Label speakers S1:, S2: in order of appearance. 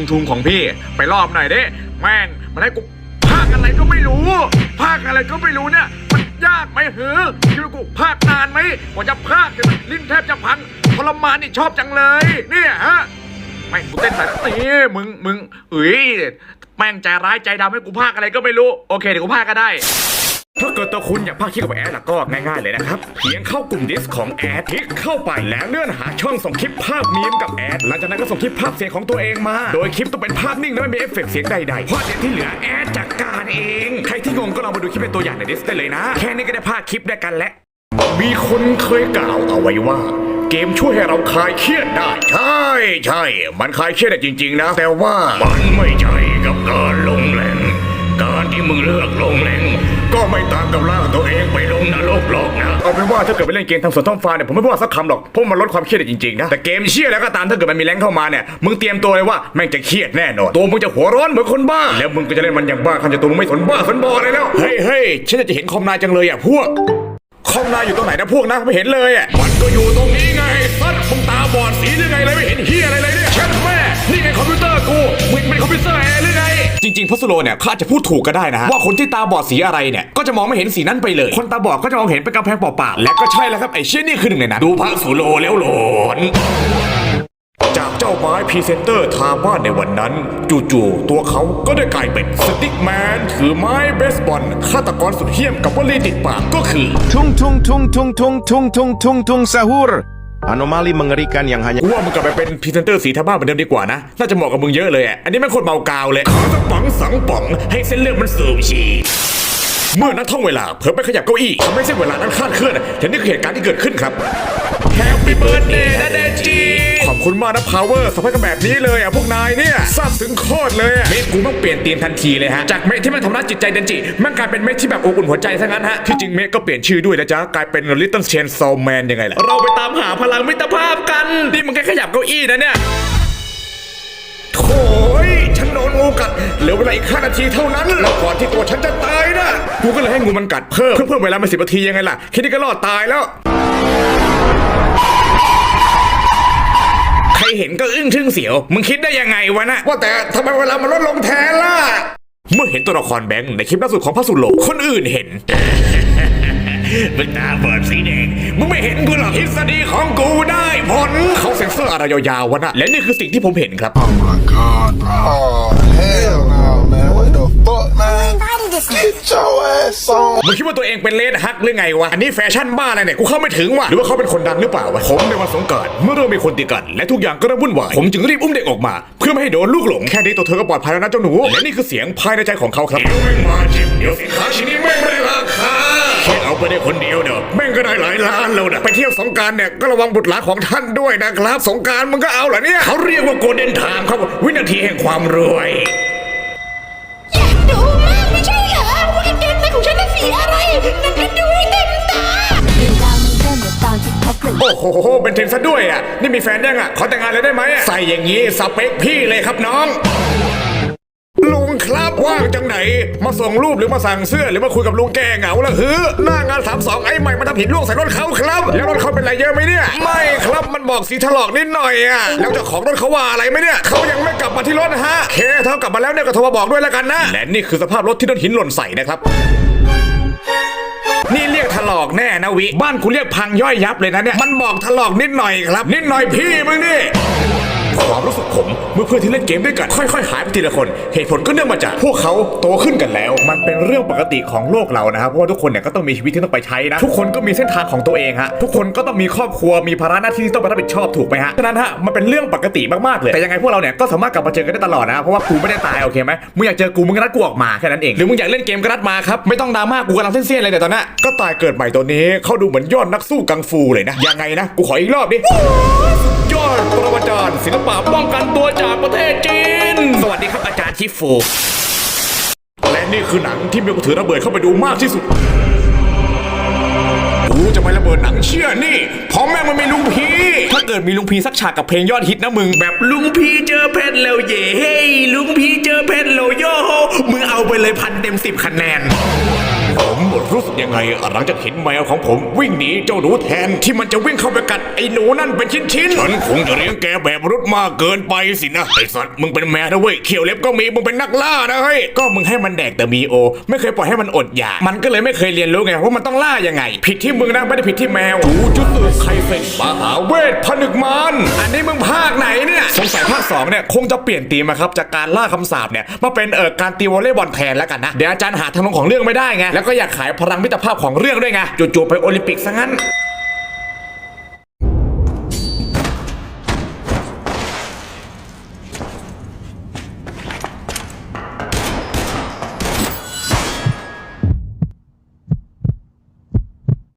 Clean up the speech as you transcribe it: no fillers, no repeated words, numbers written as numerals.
S1: ทุงของพี่ไปรอบหน่อยดิแม่งมันให้กูภาคอะไรก็ไม่รู้ภาคอะไรก็ไม่รู้เนี่ยมันยากไหมเหรอคิดว่ากูภาคนานไหมกว่าจะภาคจนลิ้นแทบจะพังทรมานนี่ชอบจังเลยเนี่ยฮะแม่งกูเต้นใส่นี่มึงแม่งใจร้ายใจดำให้กูภาคอะไรก็ไม่รู้โอเคเดี๋ยวกูภาคก็ได้ถ้าเกิดตัวคุณอยากภาคคลิปกับแอดล่ะก็ง่ายๆเลยนะครับเพียงเข้ากลุ่มดิสของแอดคลิกเข้าไปแล้วเลื่อนหาช่องส่งคลิปภาพมีมกับแอดหลังจากนั้นก็ส่งคลิปภาพเสียงของตัวเองมาโดยคลิปต้องเป็นภาพนิ่งและไม่มีเอฟเฟกต์เสียงใดๆเพราะเดี๋ยวที่เหลือแอดจัดการเองใครที่งงก็ลองมาดูคลิปเป็นตัวอย่างในดิสได้เลยนะแค่นี้ก็ได้ภาคคลิปด้วยกันแล้วมีคนเคยกล่าวเอาไว้ว่าเกมช่วยให้เราคลายเครียดได้ใช่มันคลายเครียดได้จริงๆนะแต่ว่ามันไม่ใช่กับการลงแรงการที่มึงเลือกลงแรงก็ไม่ต่างกับลากตัวเองไปลงนรกหรอกนะเอาเป็นว่าถ้าเกิดไปเล่นเกมทางสวนท้องฟ้าเนี่ยผมไม่พูดสักคำหรอกเพราะมันลดความเครียดได้จริงๆนะแต่เกมเชี่ยแล้วก็ตามถ้าเกิดมันมีแรงเข้ามาเนี่ยมึงเตรียมตัวเลยว่าแม่งจะเครียดแน่นอนตัวมึงจะหัวร้อนเหมือนคนบ้าแล้วมึงก็จะเล่นมันอย่างบ้าขันจะตัวมึงไม่สนบ้าสนบออะไรแล้วเฮ้ยฉันจะเห็นคอมนายจังเลยอ่ะพวกคอมนายอยู่ตรงไหนนะพวกนะไม่เห็นเลยอ่ะมันก็อยู่ตรงนี้ไงซัดมึงตาบอดสีหรือไงเลยไม่เห็นเฮียอะไรเลยเนี่ยเช็ดแม่นี่ไงคอมพิวเตอร์กูมึงเป็นคอมพิวเตอร์แอร์หรือไงจริงๆพัสโลเนี่ยเขาอาจจะพูดถูกก็ได้นะฮะว่าคนที่ตาบอดสีอะไรเนี่ยก็จะมองไม่เห็นสีนั้นไปเลยคนตาบอดก็จะมองเห็นเป็นกำแพงเปล่าๆและก็ใช่แล้วครับไอ้เชี่ยนี่คือหนึ่งในนั้นดูพัสโลแล้วหลอนจากเจ้าไม้พรีเซนเตอร์ทาบ้านในวันนั้นจู่ๆตัวเขาก็ได้กลายเป็นสติ๊กแมนถือไม้เบสบอลฆาตกรสุดเหี้ยมกับวลีติดปากก็คือ
S2: Tung tung tung tung tung tung tung tung tung sahur anomali mengerikan yang hanya
S1: ว่ามึงกลับไปเป็นพรีเซนเตอร์สีทาบ้านเหมือนเดิมดีกว่านะน่าจะเหมาะกับมึงเยอะเลยอ่ะอันนี้ไม่คนเมากาวเลยขอสักป๋องสองป๋องให้เส้นเลือดมันสูบฉีดเมื่อนักท่องเวลาเผลอไปขยับเก้าอี้ทำให้เส้นเวลานั้นคลาดเคลื่อนแต่นี่คือเหตุการณ์ที่เกิดขึ้นครับ Happy Birthday นะเดจีขอบคุณมากนะ Power สัมภาษณ์กันแบบนี้เลยอ่ะพวกนายเนี่ยซาบซึ้งโคตรเลยเมฆกูต้องเปลี่ยนธีมทันทีเลยฮะจากเมฆที่มันทำร้ายจิตใจเดนจิมันกลายเป็นเมฆที่แบบอบอุ่นหัวใจซะงั้นฮะที่จริงเมฆก็เปลี่ยนชื่อด้วยนะจ๊ะกลายเป็น Little Chainsaw Man ยังไงล่ะเราไปตามหาพลังมิตรภาพกันนี่มึงแค่ขยับเก้าอี้นะเนี่ยโถ่ฉันโดนงูกัดเหลือเวลาอีก5 นาทีเท่านั้นแล้วก่อนที่ตัวฉันจะตายนะกูก็เลยให้งูมันกัดเพิ่มเวลามา10 นาทียังไงล่ะแค่นี้ก็รอดตายแล้วใครเห็นก็อึ้งทึ่งเสียวมึงคิดได้ยังไงวะนะว่าแต่ทำไมเวลามันลดลงแทนล่ะเมื่อเห็นตัวละครแบงค์ในคลิปล่าสุดของพระสุโลคนอื่นเห็นมึงตาบอดสีแดงมึงไม่เห็นกูหรอกทฤษฎีของกูได้ผลเขาเซ็นเซอร์อะไรยาวๆวะนะและนี่คือสิ่งที่ผมเห็นครับ
S3: Oh my god bro Oh hell no man what the fuck man Get your ass on
S1: มึงคิดว่าตัวเองเป็นเลดฮักหรือไงวะอันนี้แฟชั่นบ้าอะไรเนี่ยกูเข้าไม่ถึงว่ะหรือว่าเขาเป็นคนดังหรือเปล่าวะผมในวันสงกรานต์เมื่อเริ่มมีคนตีกันและทุกอย่างก็เริ่มวุ่นวายผมจึงรีบอุ้มเด็กออกมาเพื่อไม่ให้โดนลูกหลงแค่นี้ตัวเธอก็ปลอดภัยแล้วนะเจ้าหนูและนี่คือเสียงภายในใจของเขาครับเดี๋ยวแม่งมาจิบเดี๋ยวสินค้าชิ้นนี้แม่งไม่ได้ราคาแค่เอาไปได้คนเดียวเด้อแม่งก็ได้หลายล้านแล้วนะไปเที่ยวสงกรานต์เนี่ยก็ระวังบุตรหลานของท่านด้วยนะครับสงกรานต์มึงก็เอาเหรอเนี่ยเขาเรียกว่าโกลเด้นไทม์ครับวินาทีแห่งความรวย
S4: อยากดูมากไม่ใช่เหรอว่าเกมในของฉันเป็นสีอะไรนั่นก็ดูให้เต็มตาเรื่องราวมันเริ่มจากตอนที่พบกัน
S1: โอ้โหเป็นเทรนซะด้วยอ่ะนี่มีแฟนยังอ่ะขอแต่งงานเลยได้ไหมใส่อย่างนี้สเปคพี่เลยครับน้องลุงครับว่างจังไหนมาส่งรูปหรือมาสั่งเสื้อหรือมาคุยกับลุงแกเหงาละหน้างาน32ไอ้ใหม่มาทำผิดล่วงใส่รถเขาครับแล้วรถเขาเป็นไรเยอะไหมเนี่ยไม่ครับมันบอกสีถลอกนิดหน่อยอ่ะแล้วเจ้าของรถเขาว่าอะไรไหมเนี่ยเขายังไม่กลับมาที่รถนะฮะเคเท่ากลับมาแล้วเนี่ยก็โทรมาบอกด้วยแล้วกันนะและนี่คือสภาพรถที่โดนหินหล่นใส่นะครับนี่เรียกถลอกแน่นะวิบ้านคุณเรียกพังย่อยยับเลยนะเนี่ยมันบอกถลอกนิดหน่อยครับนิดหน่อยพี่มึงนี่ความรู้สึกผมเมื่อเพื่อนที่เล่นเกมด้วยกันค่อยๆหายไปทีละคนเหตุผลก็เนื่องมาจากพวกเขาโตขึ้นกันแล้วมันเป็นเรื่องปกติของโลกเรานะครับเพราะว่าทุกคนเนี่ยก็ต้องมีชีวิตที่ต้องไปใช้นะทุกคนก็มีเส้นทางของตัวเองฮะทุกคนก็ต้องมีครอบครัวมีภาระหน้าที่ที่ต้องไปรับผิดชอบถูกไหมฮะฉะนั้นฮะมันเป็นเรื่องปกติมากๆเลยแต่ยังไงพวกเราเนี่ยก็สามารถกลับมาเจอกันได้ตลอดนะเพราะว่ากูไม่ได้ตายโอเคไหมมึงอยากเจอกูมึงก็นัดกูออกมาแค่นั้นเองหรือมึงอยากเล่นเกมก็นัดมาครับไม่ต้องดราม่ากูกำลังเส้นๆเลยแต่ตอนนี้ก็ตายเกิดใหม่ตัวนี้เขาดูเหมือนยอดนักสู้กังฟูเลยนะยังไงนะกูขออีกรอบดิยอดปรมาจารย์ศิลปะป้องกันตัวจากประเทศจีนสวัสดีครับอาจารย์ชิฟูและนี่คือหนังที่มีกระถือระเบิดเข้าไปดูมากที่สุดกูจะไประเบิดหนังเชื่อนี่เพราะแม่งมันมีลุงพีถ้าเกิดมีลุงพีสักฉากกับเพลงยอดฮิตนะมึงแบบลุงพีเจอเพชรแล้วเย่เฮ้ยลุงพีเจอเพชรแล้วโย่มึงเอาไปเลย1,000 เต็ม 10 คะแนนผมรู้สึกยังไงหลังจากเห็นแมวของผมวิ่งหนีเจ้าหนูแทนที่มันจะวิ่งเข้าไปกัดไอ้หนูนั่นเป็นชิ้นๆฉันคงจะเลี้ยงแกแบบมนุษย์มากเกินไปสินะไอ้สัตว์มึงเป็นแมวนะเว้ยเขียวเล็บก็มีมึงเป็นนักล่านะเฮ้ยก็มึงให้มันแดกแต่มีโอไม่เคยปล่อยให้มันอดอยากมันก็เลยไม่เคยเรียนรู้ไงว่ามันต้องล่ายังไงผิดที่มึงนะไม่ได้ผิดที่แมวจูจุดไคเซ็นมหาเวทผนึกมารอันนี้มึงภาคไหนเนี่ยสงสัยภาค2เนี่ยคงจะเปลี่ยนธีมครับจากการล่าคำสาปเนี่ยมาเป็นการตีวอลเลย์บอลแทนแล้วกันนะเดี๋ยวอาจารย์หาทางลงของเรื่องไม่ได้ไงแล้วก็อยากขายพลังมิตรภาพของเรื่องด้วยไงจู่ๆไปโอลิมปิกซะงั้น